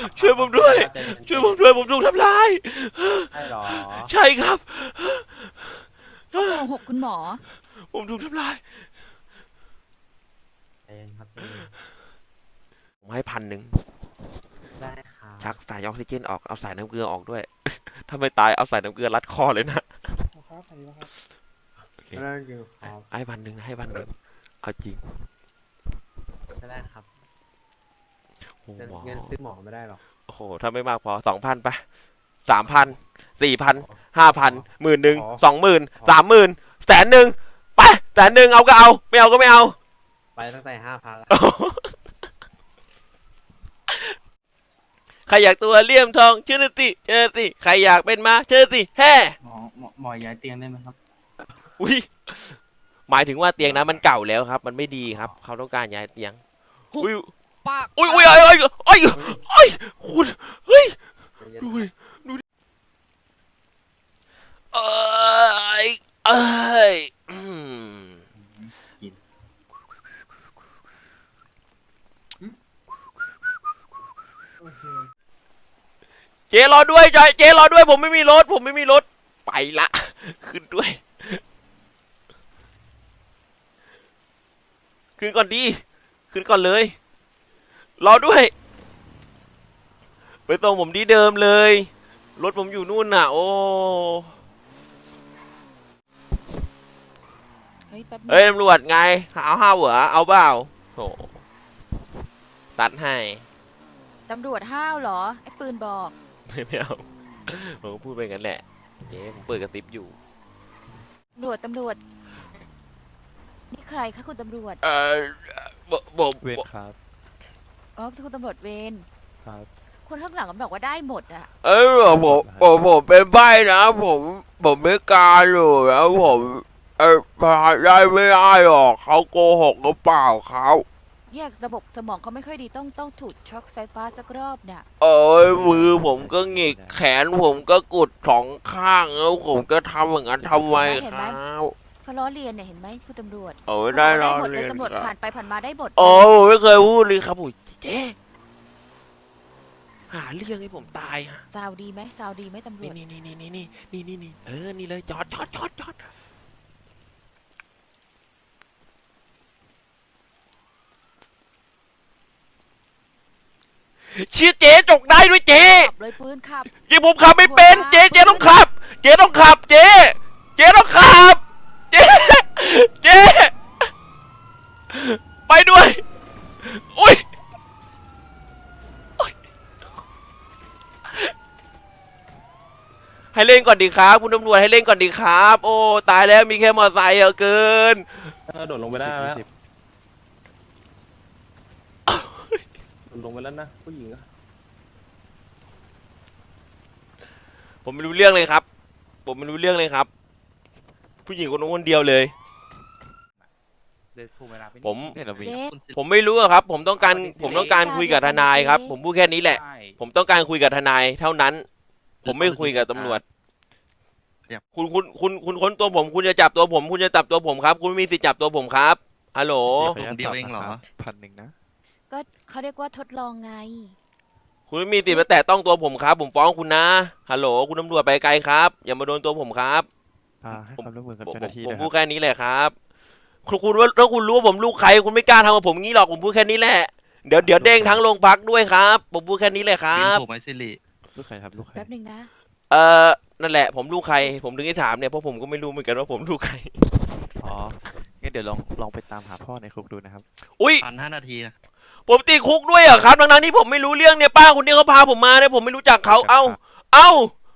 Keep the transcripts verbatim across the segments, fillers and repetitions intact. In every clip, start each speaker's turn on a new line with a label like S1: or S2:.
S1: ช่วยผมด้วยช่วยผมด้วยผมถูกทำร้าย
S2: ใช่หรอ
S1: ใช่ครับ
S3: เขาโกหกคุณหมอ
S1: ผมถูกทำร้าย
S2: เองครับเอง
S1: ผมให้พันหนึ่ง
S2: ได้ครับ
S1: ชักสายออกซิเจนออกเอาสายน้ำเกลือออกด้วยถ้าไม่ตายเอาสายน้ำเกลือรัดคอเลยนะ
S4: ครับอันนี้นะครับ
S1: โอเค
S2: ได้ครับ
S1: ให้พันหนึ่งให้พันหนึ่งเอาจริง
S2: ได้ครับ
S1: โอ้โห
S2: เงินซื้อหมอไม่ได้หรอก
S1: โอ้โหถ้าไม่มากพอสองพันไปสามพันสี่พันห้าพันหมื่นหนึ่งสองหมื่นสามหมื่นแสนหนึ่งไปแสนหนึ่งเอาก็เอาไม่เอาก็ไม่เอา
S2: ไปตั้งแต่ห้าพัน
S1: ใครอยากตัวเลี่ยมทองเชิญสิเชิญสิใครอยากเป็นมาเชิญสิแฮ่
S5: หมอหมอหมอย้ายเตียงได้ไหมครับ
S1: อุ้ยหมายถึงว่าเตียงนั้นมันเก่าแล้วครับ มันไม่ดีครับเขาต้องการย้ายเตียงอุ้ย
S3: ปาก
S1: อุ้ยอุ้ยเอ้ยเอ้ยเอ้ยคุณเฮ้ยดูดิดูดิเอ้ยเอ้ยอืมเจรอด้วยจอยเจรอด้วยผมไม่มีรถผมไม่มีรถไปละขึ้นด้วยขึ้นก่อนดีขึ้นก่อนเลยรอด้วยไปตรงผมที่เดิมเลยรถผมอยู่นู่นน่ะโอ้
S3: เฮ้ยแป๊บนึ
S1: เอ้ย
S3: ง
S1: ตำรวจไงเอาห้าเหรอเอาเปล่าโอ้ตัดให้
S3: ตำรวจห้าวเหรอไอ้ปืนบอก
S1: ไม่ไม่เอาผมก็พูดไปงั้นแหละเจ๊ผมเปิดกระติบอยู่
S3: ตำรวจตำรวจนี่ใครคะคุณตำรวจ
S1: เออบอกบอก
S6: เวรครับ
S3: อ๋อคือคุณตำรวจเวร
S6: ครับ
S3: คนข้างหลังก็บอกว่าได้หมดอะ
S1: เออผมผมผมเป็นใบ้นะผมผมไม่กล้าอยู่แล้วผมเออพาได้ไม่ได้หรอกเขาโกหกหรือเปล่าเขา
S3: แยกระบบสมองเขาไม่ค่อยดีต้องต้องถูกช็อกไฟฟ้าสักรอบน่ะ
S1: เอ้ยมือผมก็หงิกแขนผมก็กุดสองข้างแล้วผมก็ทำอย่างนั้นทำไมครับ
S3: เขาล้อเลียนเนี่ยเห็นไหมคุณตำรวจ
S1: โอ้ยได้รอ
S3: หมดเล
S1: เรี
S3: ย
S1: ยน
S3: ตำรวจ
S1: ครับ
S3: ผ่านไปผ่านมาได้หมด
S1: โอ้ผมไม่เคยพูดเลยครับโอ้ยเจ๊หาเรื่องให้ผมตายฮะ
S3: ซาวดีไหมซาวดีไหมตำรว
S1: นี่
S3: จ
S1: นี่นี่นี่นี่นี่นี่นี่เออนี่เลยจอดจอดจอดจอดเชี่ยเจ๊จกได้ด้วยเจ๊
S3: ขับเลยปืนขับ
S1: เจ๊ผมขับไม่เป็นเจ๊เจ๊ต้องขับ เจ๊ต้องขับเจ๊เจ๊ต้องขับเจ๊เจ๊ไปด้วยอุ้ยให้เล่นก่อนดีครับคุณตำรวจให้เล่นก่อนดีครับ โอ้ตายแล้วมีแค่มอเตอร์ไซค์เหรอเกิน
S6: โดดลงไปได้แล้วโดดลงไปแล้วนะผู้หญิงอะ
S1: ผมไม่รู้เรื่องเลยครับ ผมไม่รู้เรื่องเลยครับ ผู้หญิงคนนู้นคนเดียวเลย ผม
S3: เจ๊
S1: ผมไม่รู้อะครับ ผมต้องการผมต้องการคุยกับทนายครับ ผมพูดแค่นี้แหละ ผมต้องการคุยกับทนายเท่านั้น ผมไม่คุยกับตำรวจ คุณคุณคุณคุณค้นตัวผม คุณจะจับตัวผม คุณจะจับตัวผมครับ คุณมีสิทธิ์จับตัวผมครับฮัลโหล
S6: เดียวเองเหรอพันหนึ่งนะ
S3: ก็เขาเรียกว่าทดลองไง
S1: คุณไม่มีสิทธิ์มาแตะต้องตัวผมครับ ผมฟ้องคุณนะฮัลโหลคุณตำรวจไปไกลครับ อย่ามาโดนตัวผมครับ
S6: พาให้ความร่วมมือกับ
S1: ผม
S6: เจ้าหน้าที่
S1: ผม
S6: นะค
S1: พู
S6: รั
S1: ด
S6: บ
S1: แค่นี้แหละครับคุณคุณว่าถ้าคุณรู้ว่าผมลูกใครคุณไม่กล้าทำกับผมงี้หรอกผมพูดแค่นี้แหละเดี๋ยวเดี๋ยวเด้งทั้งโรงพักด้วยครับผมพูดแค่นี้เลยครับ
S7: ถูกไหมสิริ
S6: ลูกใครครับลูกใคร
S3: แป๊บหนึ่งนะ
S1: เออนั่นแหละผมลูกใครผมถึงได้ถามเนี่ยเพราะผมก็ไม่รู้เหมือนกันว่าผมลูกใคร
S6: อ๋องั้นเดี๋ยวลองลองไปตามหาพ่อในคุกดูนะครับ
S1: อุ้ย
S7: พันห้านาทีนะ
S1: ผมติดคุกด้วยเหรอครับทั้งๆที่ผมไม่รู้เรื่องเนี่ยป้าคนนี้เขาพาผมมาเนี่ยผมไม่รู้จักเขาเอ้าเอ้า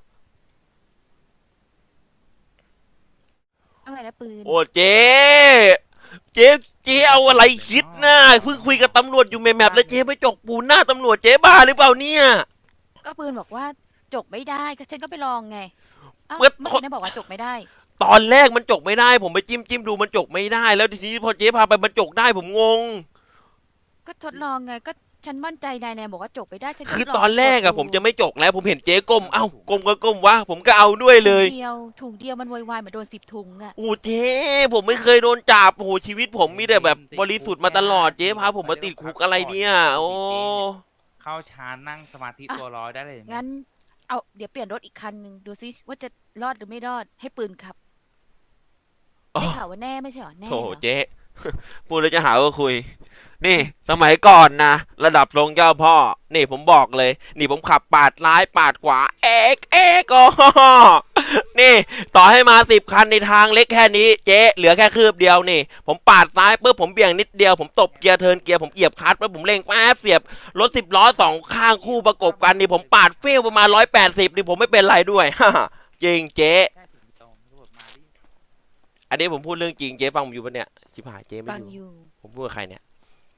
S3: เอาไงนะปืน
S1: โอ้เจ๊เจ๊เจ๊เอาอะไรคิดนะเพิ่งคุยกับตำรวจอยู่แมปๆแล้วเจ๊ไปจกปูนหน้าตำรวจเจ๊บ้าหรือเปล่าเนี่ย
S3: ก็ปืนบอกว่าจกไม่ได้ก็ฉันก็ไปลองไงเอ้า
S1: เมื่อ
S3: เมื่อกี้นายบอกว่าจกไม่ได้
S1: ตอนแรกมันจกไม่ได้ ผมไปจิ้มจิ้มดูมันจกไม่ได้ แล้วทีนี้พอเจ๊พาไปมันจกได้ผมงง
S3: ก็ทดลองไงก็ฉันมั่นใจนายนายบอกว่าจกไม่ได้ฉันก็
S1: คือ
S3: ลง
S1: ตอนแรกอะ
S3: ดดู
S1: ผมจะไม่จกแล้วผมเห็นเจ๊ก้มเอ้าก้มก็ก้มวะผมก็เอาด้วยเลย
S3: ถุงเดียวถุงเดียวมันโวยวายเหมือนโดนสิบถุงอะ
S1: โอ้เจ๊ผมไม่เคยโดนจับโอ้โหชีวิตผมมีแต่แบบบริสุทธิ์มาตลอดเจ๊พาผมมาติดคุกอะไรเนี่ยโอ้
S4: เข้าชานนั่งสมาธิ
S3: อ่ะ
S4: ตัวร้อยได้เลยไหม
S3: งั้น เอาเดี๋ยวเปลี่ยนรถอีกคันหนึ่งดูซิว่าจะรอดหรือไม่รอดให้ปืนขับ
S1: อ๋อ
S3: ได้ข่าวว่าแน่ไม่ใช่เหรอแน่
S1: โถ
S3: เหรอ
S1: เจ๊ พูดแล้วจะหาว่าคุย นี่ สมัยก่อนนะ ระดับทรงเจ้าพ่อ นี่ผมบอกเลย นี่ผมขับปาดซ้ายปาดขวา เอกเอกโอ้โหนี่ ต่อให้มาสิบคันในทางเล็กแค่นี้ เจ๊เหลือแค่คืบเดียวนี่ ผมปาดซ้ายปุ๊บผมเบี่ยงนิดเดียว ผมตบเกียร์เทิร์นเกียร์ผมเหยียบคลัตช์ปุ๊บผมเร่งแป๊บเสียบรถสิบล้อสองข้างคู่ประกบกันนี่ผมปาดเฟี้ยวประมาณร้อยแปดสิบนี่ผมไม่เป็นไรด้วย จริงเจ๊
S4: ใช่ถึงตรงตำรวจมาดิ
S1: อันนี้ผมพูดเรื่องจริงเจ๊ฟังผมอยู่ปะเนี่ยชิบหายเจ๊ไม่
S3: ฟัง
S1: อ
S3: อยู่ ยู่
S1: ผมพูดกับใครเนี่ย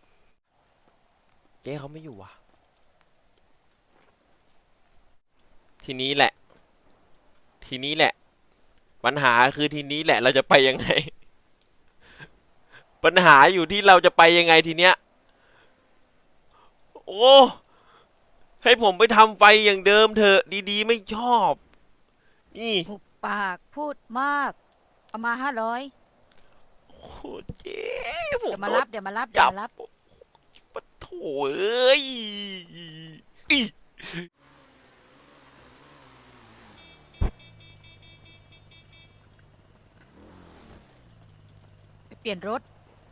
S1: เจ๊เขาไม่อยู่ว่ะ ทีนี้แหละ ทีนี้แหละ ปัญหาคือทีนี้แหละ เราจะไปยังไง ปัญหาอยู่ที่เราจะไปยังไงทีเนี้ย โอ้ ให้ผมไปทำไฟอย่างเดิมเถอะ ดีๆ ไม่ชอบ นี่
S3: หุบปากพูดมาก เอามาห้าร้อย
S1: โอ้โหเจ๊ผม
S3: เดี๋ยวมา
S1: โด
S3: รั
S1: น
S3: บเดี๋ยวมารับเดี๋ยวมารับ
S1: ปะโถเอ้ยอิ
S3: ไปเปลี่ยนรถ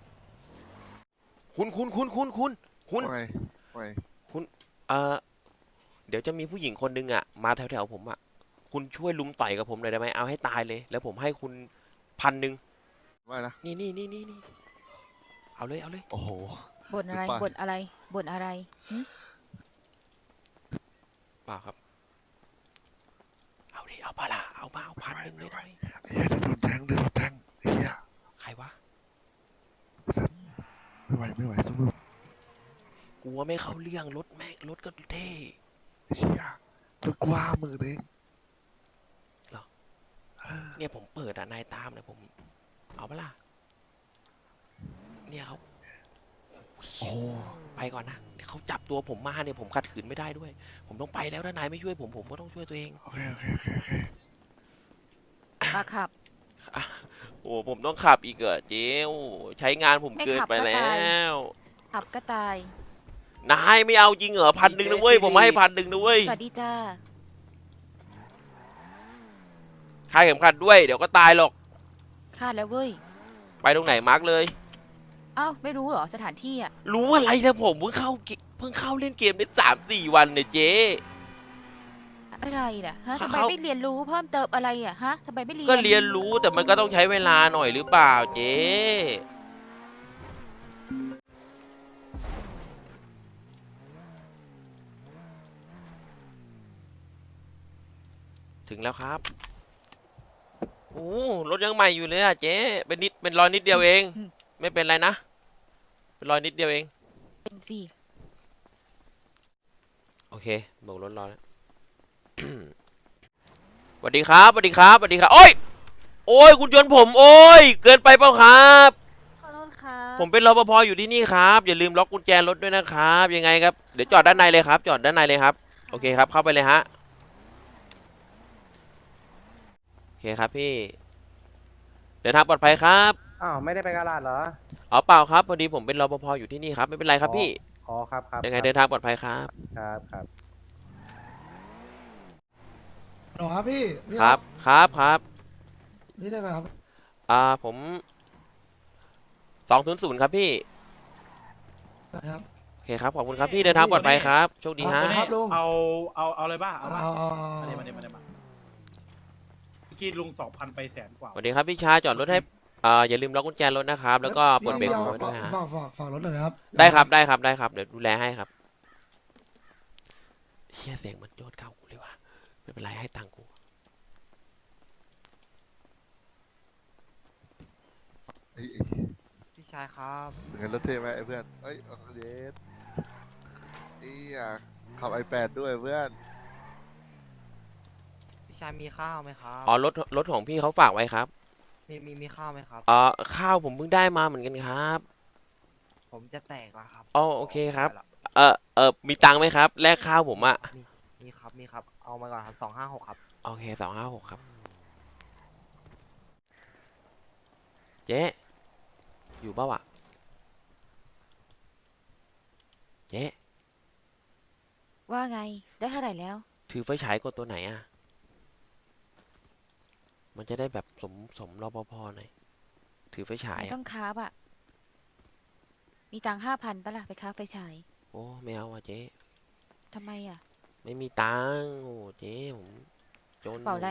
S1: คุณคุณคุณคุณคุณคุณ
S7: ว่าไงว่าไง
S1: เอ่อเดี๋ยวจะมีผู้หญิงคนหนึงอ่ะ มาแถวๆผมอ่ะ คุณช่วยลุมต่อยกับผมหน่อยได้ไหมเอาให้ตายเลย แล้วผมให้คุณพันหนึ่ง
S7: ว่านะ
S1: นี่นี่นี่นี่นี่เอาเลยเอาเลย
S7: โอ้โห
S3: บ่นอะไร
S7: หรือเปล่า
S3: บ่นอะไรบ่นอะไรหึ
S1: เปล่าครับ เอาดิเอาปะล่ะเอามาเอาพันหนึ่งเลยได้ไหม
S7: เฮียจะโดนแทงจะโดนแทงเฮีย
S1: ใครวะ
S7: ไม่ไหวไม่ไหวสู้ไม่ไหว
S1: กลัวไม่เข้าเรื่องรถแม่งรถก็เท่
S7: เฮียจะกว้ามือเอง
S1: เนี่ยผมเปิดอ่ะนายตามเนี่ยผม เอาปะล่ะเนี่ยเขา
S7: โอ้
S1: ไปก่อนนะเดี๋ยวเขาจับตัวผมมาเนี่ยผมขัดขืนไม่ได้ด้วย ผมต้องไปแล้วถ้านายไม่ช่วยผมผมก็ต้องช่วยตัวเอง
S7: โอเคโอเคโอเคโอเค
S3: มาขับ
S1: โอ้ผมต้องขับอีกเหรอเจ๊วใช้งานผม
S3: ไม่
S1: เกิน
S3: ขับ
S1: ไป
S3: ก็
S1: แล้
S3: ตาย
S1: ว
S3: ขับก็ตาย
S1: นายไม่เอาจริงเหรอพันหนึ่งนะเว้ยผมให้พันหนึ่งนะเว้ย
S3: สวัสดีจ้า
S1: คาดเข็มขัดด้วยเดี๋ยวก็ตายหรอก
S3: คาดแล้วเว้ย
S1: ไปตรงไหนมาร์กเลย
S3: เอ้าไม่รู้เหรอสถานที่อ่ะ
S1: รู้อะไรแล้วผมเพิ่งเข้าเกเพิ่งเข้าเล่นเกมได้สามสี่วันเนี่ยเจ๊
S3: อะไรน่ะฮะ
S1: เขา
S3: ทำไมไม่เรียนรู้เพิ่มเติมอะไรอ่ะฮะทำไมไม่เรียน
S1: ก็เรียนรู้แต่มันก็ต้องใช้เวลาหน่อยหรือเปล่าเจ๊ถึงแล้วครับโอ้รถยังใหม่อยู่เลยอะเจ๊เป็นนิดเป็นรอยนิดเดียวเอง ไม่เป็นไรนะ เป็นรอยนิดเดียวเอง
S3: เป็นสิ
S1: โอเคโบกรถรอแล้ว สวัสดีครับสวัสดีครับสวัสดีครับ โอ้ย โอ้ย คุณชนผม โอ้ย เกินไปเปล่าครับ
S3: ขอโทษค่ะ
S1: ผมเป็นรปภอยู่ที่นี่ครับ อย่าลืมล็อกกุญแจรถด้วยนะครับ ยังไงครับ เดี๋ยวจอดด้านในเลยครับ จอดด้านในเลยครับ โอเคครับ เข้าไปเลยฮะ โอเคครับพี่ เดินทางปลอดภัยครับ
S2: อ้าวไม่ได้ไปกาลาดเหรอ
S1: อ๋อเปล่าครับ พอดีผมเป็นรปภอยู่ที่นี่ครับ ไม่เป็นไรครับพี่
S2: อ๋อครับครับ
S1: ยังไงเดินทางปลอดภัยครับ
S2: ครับครับ
S8: หรอครับพี่พี่
S1: ครับ ครับครับ
S8: นี่ได้ไหมครับ
S1: อ่าผมสองศูนย์ศูนย์ครับพี่
S8: นะครับ
S1: โอเคครับ ขอบคุณครับพี่ เดินทางปลอดภัยครับ โชคดีฮะ
S8: ครับลุง
S5: เอาเอาเอาเลยป่ะเอาป่ะ
S8: เอาเอา
S5: มา
S8: เอา
S5: เดี๋ยวมาเดี๋ยวมาเดี๋ยวมาเมื่อกี้ลุงสองพันไปแสนกว่า
S1: สวัสดีครับพี่ชายจอดรถให้อ่าอย่าลืมล็อกกุญแจรถนะครับ แล้วก็ปลดเบรกมือไว้ด้วยฮะ
S8: ฝากฝากฝากรถหน่อยนะครับ
S1: ได้ครับได้ครับได้ครับ เดี๋ยวดูแลให้ครับเฮียเสียงมันโยนเข้ากูเลยว่ะไม่เป็นไรให้ตังค์กู
S7: ไอ้ไอ้
S6: พี่ชายครับ
S7: เงินรถเท่ไหมไอ้เพื่อนเอ้ยเอาเดสไอ้อะขับไอแปดด้วยเพื่อน
S6: พี่ชายมีข้าวไหมครับ
S1: อ๋อรถรถของพี่เขาฝากไว้ครับ
S6: มีมีมีข้าวไหมครับ
S1: อ๋อข้าวผมเพิ่งได้มาเหมือนกันครับ
S6: ผมจะแตกแล้วครับ
S1: อ๋อโอเคครับ
S6: ไปละ
S1: เออเออมีตังค์ไหมครับแลกข้าวผมอะ
S6: มีมีครับมีครับ เอามาก่อนครับสองห้าหกครับ
S1: โอเคสองห้าหกครับเจ๊อยู่เปล่าวะเจ๊
S3: ว่าไง ได้เท่าไหร่แล้ว
S1: ถือไฟฉายกดตัวไหนอ่ะ มันจะได้แบบสมสมรปภหน่อย ถือไฟฉาย
S3: ไม่
S1: อะ
S3: ต้องค้าบอะมีตังค์ห้าพันปะล่ะ ไปค้าไปฉาย
S1: โอ้ไม่เอาอ่ะเจ๊
S3: ทำไมอะ
S1: ไม่มีตังค์โอ้เจ๊ผมจน
S3: เป่าอะไร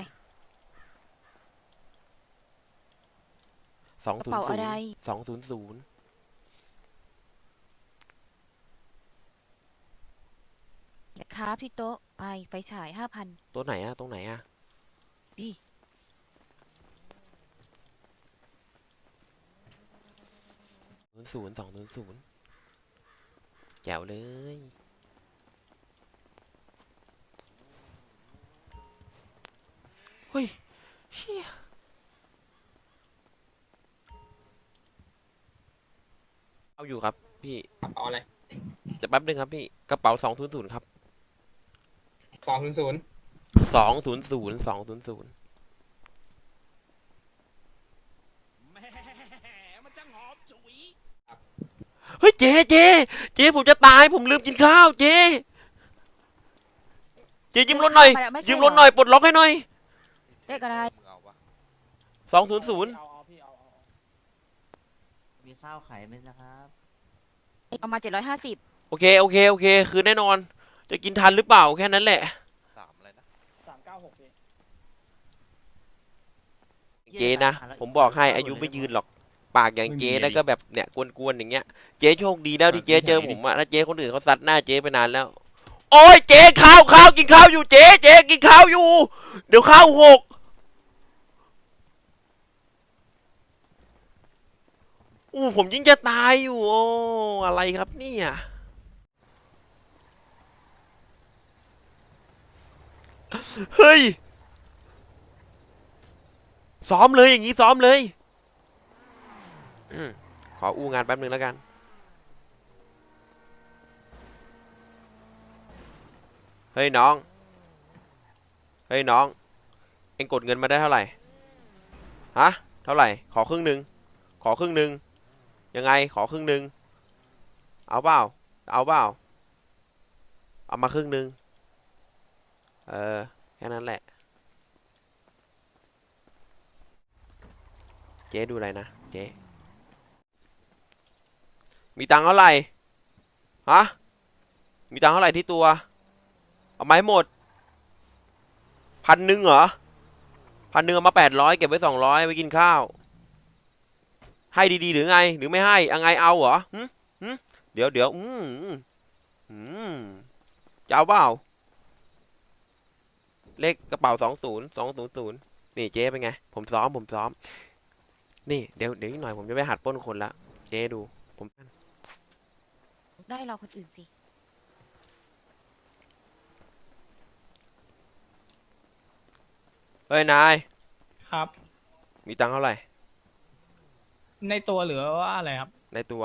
S1: สอง
S3: กระ
S1: ศูน
S3: เป๋า
S1: ย์ศู
S3: อะ
S1: น
S3: ไร
S1: ย์สองศูนย์ศูนย์
S3: เดี๋ยวค้าที่โต๊ะ ไปไปฉายห้าพัน
S1: ตัวไหนอ่ะ ตรงไหนอ่ะ
S3: ดิ
S1: ศูนย์ศูนย์สองศูนย์ศูนย์แจ๋วเลย เฮ้ยเชี่ยเอาอยู่ครับพี่
S9: เอาอะไร
S1: จะแป๊บนึงครับพี่ กระเป๋าสองศูนย์ศูนย์ครับ
S9: สองศูนย์ศูนย์
S1: สองศูนย์ศูนย์สองศูนย์ศูนย์เฮ้ยเจ๊เจ๊เจ๊ผมจะตาย ผมลืมกินข้าว เจ๊เจ๊ยืมรถหน่อย
S3: เจ๊ข้าวมาแล้วไม่ใช่
S1: ยืมรถหน่อย ปลดล็อกให้หน่อย
S3: เลขอะไร
S7: มึงเอาปะ
S1: สองศูนย์ศูนย์
S5: เอาเอาพี่เอาเอา
S6: มีข้าวไข่ไหมนะครับ
S3: เอามาเจ็ดร้อยห้าสิบ
S1: โอเค โอเค โอเค คือแน่นอน จะกินทันหรือเปล่า แค่นั้นแหละ
S7: สามอะไรนะ
S5: สามเก้าหกพี่
S1: เจ๊นะ ผมบอกให้อายุไม่ยืนหรอก ปากอย่างเจ๊แล้วก็แบบเนี่ยกวนๆอย่างเงี้ย เจ๊โชคดีแล้วที่เจ๊เจอผมอะถ้าเจ๊คนอื่นเขาซัดหน้าเจ๊ไปนานแล้ว โอ้ยเจ๊ข้าวข้าวกินข้าวอยู่เจ๊เจ๊กินข้าวอยู่ เดี๋ยวข้าวหกอู้ผมยิ่งจะตายอยู่โอ้อะไรครับเนี่ยเฮ้ยซ้อมเลยอย่างนี้ซ้อมเลยอืมขออู้งานแป๊บนึงแล้วกันเฮ้ยน้องเฮ้ยน้องเอ็งกดเงินมาได้เท่าไหร่ฮะเท่าไหร่ขอครึ่งหนึ่งขอครึ่งหนึ่งยังไงขอครึ่งหนึ่งเอาเปล่าเอาเปล่าเอามาครึ่งหนึ่งเออแค่นั้นแหละเจ๊ดูอะไรนะเจ๊มีตังค์เท่าไหร่ฮะมีตังค์เท่าไหร่ที่ตัวเอาไมาให้หมดพันหนึ่งเหรอพันหนึ่งเอามาแปดร้อยเก็บไว้สองร้อยไว้กินข้าวให้ดีๆหรือไงหรือไม่ให้เอาไงเอาเหรอหึหึเดี๋ยวเดี๋ยวอืมอืมจะเอาเปล่าเลขกระเป๋าสองศูนย์สองศูนย์ศูนย์นี่เจ๊เป็นไงผมซ้อมผมซ้อมนี่เดี๋ยวเดี๋ยวอีกหน่อยผมจะไปหัดปล้นคนละเจ๊ดูผม
S3: ได้เราคนอื่นสิ
S1: เฮ้ยนาย
S5: ครับ
S1: มีตังค์เท่าไหร่
S5: ในตัวเหลือว่าอะไรครับ
S1: ในตัว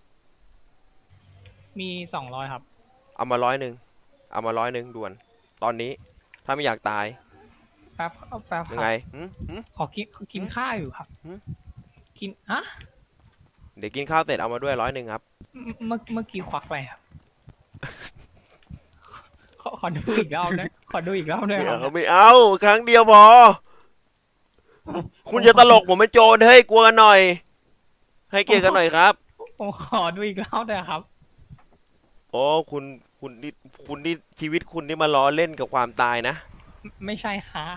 S5: มีสองร้อยครับ
S1: เอามาร้อยหนึ่งเอามาร้อยหนึ่งด่วน ตอนนี้ถ้าไม่อยากตาย
S5: แป๊บเอาแป๊บค
S1: ยั
S5: รั
S1: ง
S5: บ
S1: ไงหึหึ
S5: ขอกินขอกินข้าวอยู่ครับ
S1: หืม
S5: กินอะ
S1: เดี๋ยวกินข้าวเสร็จเอามาด้วยร้อยหนึ่งครับ
S5: เมื่อเมื่อกี้ควักไปครับ ขอขอดูอีกรอบนะขอดูอีกรอบด้วย
S1: ไม่
S5: ครั
S1: เอา
S5: บ
S1: ไม่เอาครั้งเดียวพอ คุณจะตลกผมเป็นโจรเฮ้ยกลัวกันหน่อย ให้เกียรติกันหน่อยครับ
S5: ผมขอดูอีกรอบด้วยครับ
S1: โอ้คุณคุณนี่คุณนี่ชีวิตคุณนี่มาล้อเล่นกับความตายนะ
S5: ไม่ไม่ใช่ครับ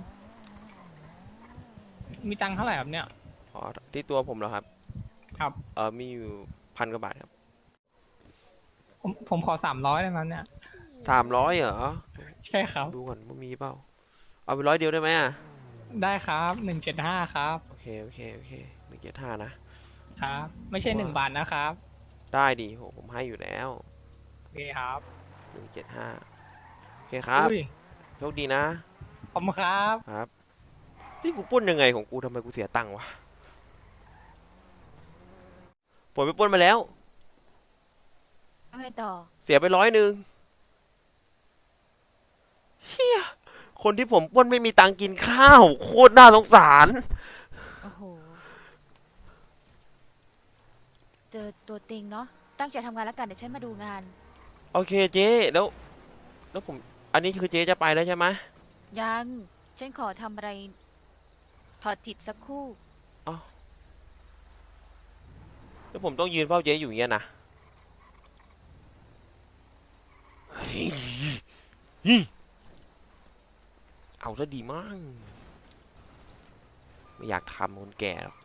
S5: มีตังค์เท่าไหร่ครับเนี่ย
S1: อ๋อที่ตัวผมเหรอครับ
S5: ครับ
S1: เออมีอยู่พันกว่าบาทครับ
S5: ผมผมขอสามร้อยได้ไหมเนี่ย
S1: สามร้อยเหรอ
S5: ใช่ครับ
S1: ดูก่อนว่ามีเปล่าเอาไปร้อยเดียวได้ไหมอ่ะ
S5: ได้ครับหนึ่งเจ็ดห้าครับ
S1: โอเคโอเคโอเคหนึ่งเจ็ดห้านะ
S5: ครับ ไม่ใช่หนึ่งบาทนะครับ
S1: ได้ดีโหผมให้อยู่แล้ว
S5: โอเคครับ
S1: หนึ่งเจ็ดห้าโอเคครับ
S5: อุ้ย
S1: โชคดีนะ
S5: ขอบคุณครับ
S1: ครับนี่กูปล้นยังไงของกูทำไมกูเสียตังค์วะผมไปปล้นมาแล้ว
S3: เอาไงต่อ
S1: เสียไปร้อยหนึ่งเฮียคนที่ผมปล้นไม่มีตังค์กินข้าวโคตรน่าสงสาร
S3: โอ้โห เจอตัวเต็งเนาะ ตั้งใจทำงานแล้วกัน เดี๋ยวฉันมาดูงาน
S1: โอเคเจ๊แล้วแล้วผม อันนี้คือเจ๊จะไปแล้วใช่ไหม
S3: ยัง ฉันขอทำอะไร ถอดจิตสักครู่
S1: แล้วผมต้องยืนเฝ้าเจ๊อยู่อย่างเงี้ยนะเฮ้ยเฮ้ยเอาซะดีมาก ไม่อยากทำคนแก่หรอก